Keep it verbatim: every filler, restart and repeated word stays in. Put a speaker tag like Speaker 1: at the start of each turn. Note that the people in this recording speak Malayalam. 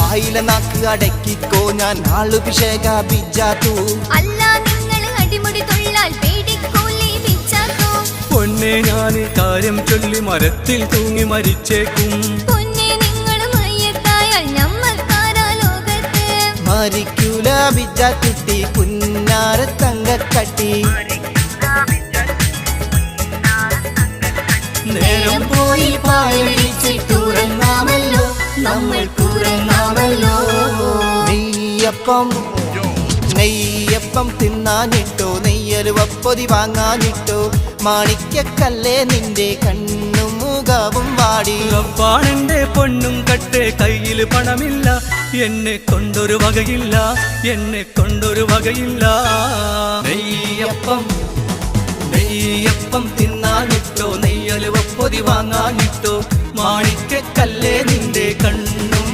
Speaker 1: വായിലെ നാക്ക് അടക്കിക്കോ ഞാൻ ആളുഭിഷേക ബിജാത്തു
Speaker 2: അല്ല നിങ്ങൾ അടിമുടി തൊള്ളാൽ പേടിക്കോലി ബിജാത്തു
Speaker 3: പൊന്നെ ഞാൻ കാര്യം ചൊല്ലി മരത്തിൽ തൂങ്ങി മരിച്ചേക്കും
Speaker 2: പൊന്നെ നിങ്ങൾ മയ്യത്തായാൽ നമ്മൾക്കാരാ ലോകത്ത്
Speaker 1: മരിക്കൂല ബിജാത്തുട്ടി പുന്നാര തങ്കക്കട്ടി
Speaker 3: നേരം
Speaker 1: പോയി പായടിച്ചിട്ടുറങ്ങാമല്ലോ നമ്മൾ കൂറങ്ങാമല്ലോ നെയ്യപ്പം നെയ്യപ്പം തിന്നാനിട്ടോ നെയ്യലുവപ്പൊതി വാങ്ങാനിട്ടോ മാണിക്കക്കല്ലേ നിന്റെ കണ്ണും മുഖവും വാടി
Speaker 3: റബ്ബാണെന്റെ പൊന്നും കട്ടെ കയ്യിൽ പണമില്ല എന്നെ കൊണ്ടൊരു വകയില്ല എന്നെ കൊണ്ടൊരു വകയില്ല നെയ്യപ്പം നെയ്യപ്പം തിന്നാനിട്ടോ നെയ്യലുവപ്പൊതി വാങ്ങാനിട്ടോ മാണിക്കക്കല്ലേ നിന്റെ കണ്ണും